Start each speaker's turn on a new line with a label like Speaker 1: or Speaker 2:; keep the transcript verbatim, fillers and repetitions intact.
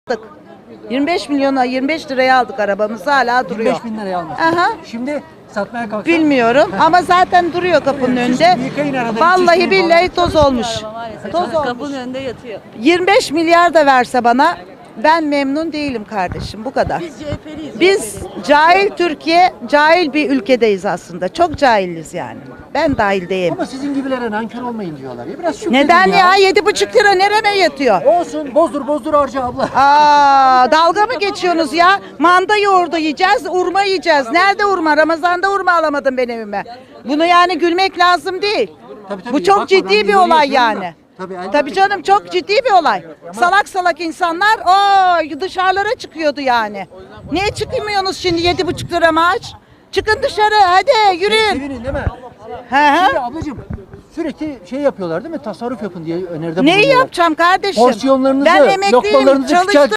Speaker 1: yirmi beş milyona yirmi beş liraya aldık arabamızı, hala duruyor.
Speaker 2: yirmi beş bin liraya almışsın.
Speaker 1: Aha.
Speaker 2: Şimdi satmaya kalksan.
Speaker 1: Bilmiyorum ama zaten duruyor kapının önünde.
Speaker 2: Yıkayın arada,
Speaker 1: Vallahi
Speaker 2: çizmeyi
Speaker 1: billahi toz olmuş. Toz olmuş.
Speaker 3: Kapının önünde yatıyor.
Speaker 1: yirmi beş milyar da verse bana ben memnun değilim kardeşim, bu kadar.
Speaker 3: Biz C H P'liyiz.
Speaker 1: Biz cahil Türkiye, cahil bir ülkedeyiz aslında. Çok cahiliz yani. Ben dahil değilim.
Speaker 2: Ama sizin gibilere nankör olmayın diyorlar ya. Biraz şükredin
Speaker 1: Neden ya? Yedi buçuk lira nereme yatıyor?
Speaker 2: Olsun, bozdur bozdur harca abla.
Speaker 1: Aa, dalga mı geçiyorsunuz ya? Manda yoğurdu yiyeceğiz, urma yiyeceğiz. Nerede urma? Ramazan'da urma alamadım ben evime. Bunu yani gülmek lazım değil.
Speaker 2: Tabii, tabii.
Speaker 1: Bu çok
Speaker 2: Bakma, ben
Speaker 1: ciddi bir
Speaker 2: yorum
Speaker 1: olay
Speaker 2: yapıyorum da.
Speaker 1: yani.
Speaker 2: Tabii, elbette
Speaker 1: Tabii
Speaker 2: ki.
Speaker 1: canım, çok ciddi bir olay. Salak salak insanlar o dışarılara çıkıyordu yani. Niye çıkmıyorsunuz şimdi yedi buçuk lira maaş? Çıkın dışarı hadi yürüyün.
Speaker 2: Sevinin değil mi?
Speaker 1: He
Speaker 2: Şimdi
Speaker 1: he.
Speaker 2: ablacığım sürekli şey yapıyorlar değil mi? Tasarruf yapın diye öneride
Speaker 1: Neyi
Speaker 2: bulunuyorlar.
Speaker 1: yapacağım kardeşim?
Speaker 2: Porsiyonlarınızı,
Speaker 1: Ben emekliyim,
Speaker 2: lokmalarınızı
Speaker 1: çalıştım.
Speaker 2: küçelt-